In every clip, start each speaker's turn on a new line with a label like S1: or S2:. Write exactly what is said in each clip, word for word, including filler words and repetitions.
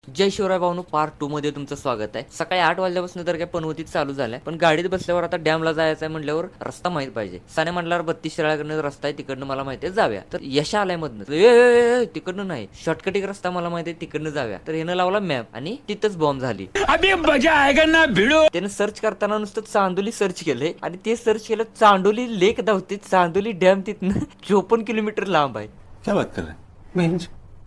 S1: जय शिवराय भाऊनो, part two मध्ये तुमचं स्वागत आहे. सकाळी आठ वाजल्यापासून तर काय पनवतीत चालू झालाय, पण गाडीत बसल्यावर आता डॅमला जायचं आहे म्हणल्यावर रस्ता माहित पाहिजे. साने म्हणल्यावर बत्तीस शिराळकडनं रस्ता आहे, तिकडनं मला माहिती आहे जाव्या. तर यश आलाय मधनं, तिकडनं नाही शॉर्टकट एक रस्ता मला माहिती आहे तिकडनं जाव्या. तर ह्यानं लावला मॅप आणि तिथंच बॉम्ब झाली. अबे मजा आएगा ना भिडो. त्यानं सर्च करताना नुसतं चांदोली सर्च केलंय आणि ते सर्च केलं चांदोली लेक धावते. चांदोली डॅम तिथनं चोपन्न किलोमीटर लांब आहे.
S2: क्या बात कर रहे हैं?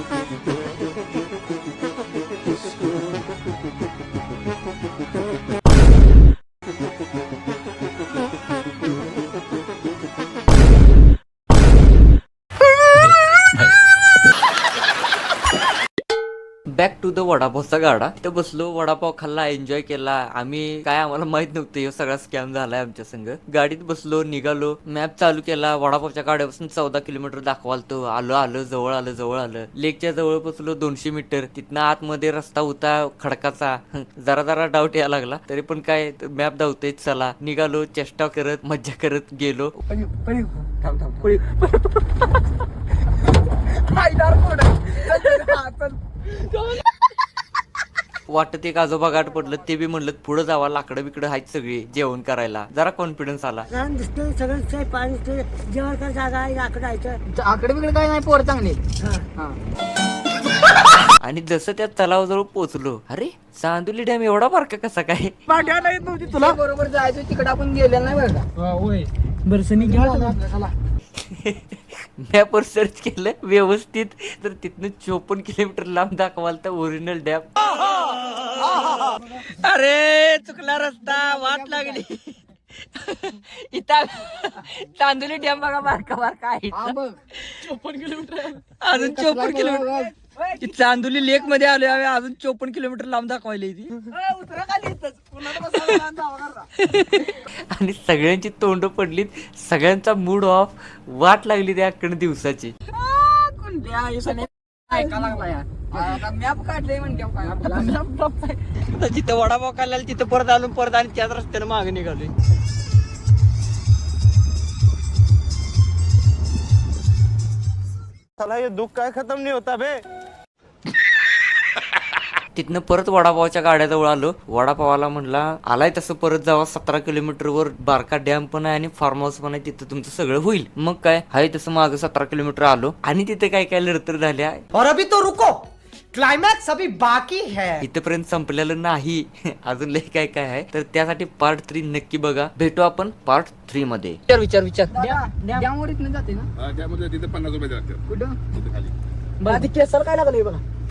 S1: बॅक टू द वडापावचा गाडा. तिथं बसलो, वडापाव खाल्ला, एन्जॉय केला. आम्ही काय आम्हाला माहित नव्हतं हे सगळा स्कॅम झालाय आमच्या संग. गाडीत बसलो, निघालो, मॅप चालू केला. वडापावच्या गाड्यापासून चौदा किलोमीटर दाखवालतो. आलो आलो जवळ आलं जवळ आलं लेकच्या जवळ बसलो. दोनशे मीटर तिथनं आतमध्ये रस्ता होता खडकाचा. जरा जरा डाऊट यायला लागला, तरी पण काय मॅप धावतोय चला. निघालो, चेष्टा करत मज्जा करत गेलो. वाटत एक आजोबा गाठ पडलं, ते बी म्हणलं पुढे जावा, लाकडं बिकडं आहेत सगळी जेवण करायला. जरा कॉन्फिडन्स आला.
S3: सगळं पाणी जेवण कर जागा आकडे
S4: आकडे बिकडे काय नाही, पोर चांगली.
S1: आणि जसं त्या तलावाजवळ पोहोचलो, अरे चांदोली डॅम एवढा बारका कसा काय?
S4: तुला बरोबर जायचं तिकडे आपण गेलेलं नाही बरं का?
S3: होय बरसनी घेऊन
S1: मॅपवर सर्च केलं व्यवस्थित, तर तिथनं चोपन्न किलोमीटर लांब दाखवाल तर ओरिजिनल डॅम. अरे चुकला रस्ता, वाट लागली. इथं चांदोली डॅम बघा बारका बारका आहे.
S4: चोपन्न किलोमीटर
S1: अजून चोपन्न किलोमीटर चांदोली लेक मध्ये आलोय आम्ही. अजून चोपन्न किलोमीटर लांब दाखवायला ती. आणि सगळ्यांची तोंड पडलीत, सगळ्यांचा मूड ऑफ. वाट लागली त्या अख्खण दिवसाची.
S4: मॅप काढले म्हणजे
S1: जिथं वडापाव खाल्ला तिथं परत आलो, परत आणि त्याच रस्त्याने मागे निघालोय.
S2: साला ये दुख काय खत्म नहीं होता बे.
S1: तिथनं परत वडापावच्या गाड्याजवळ आलो. वडापावाला म्हणला आलाय तसं परत जावा, सतरा किलोमीटर वर बारका डॅम पण आहे आणि फार्म हाऊस पण आहे, तिथं तुमचं सगळं होईल. मग काय हाय तसं मागं सतरा किलोमीटर आलो आणि तिथे काय काय लढतर झाल्या.
S3: और अभी तो रुको, क्लायमॅक्स अभी बाकी है.
S1: इथपर्यंत संपलेलं नाही, अजून लय काय काय आहे. तर त्यासाठी पार्ट थ्री नक्की बघा. भेटू आपण पार्ट थ्री मध्ये. विचार विचार विचार
S4: डॅमवर इथनं जाते ना?
S2: त्यामध्ये तिथे पन्नास रुपये जाते
S4: कुठं
S2: खाली.
S3: बरं केसर काय लागले बघा.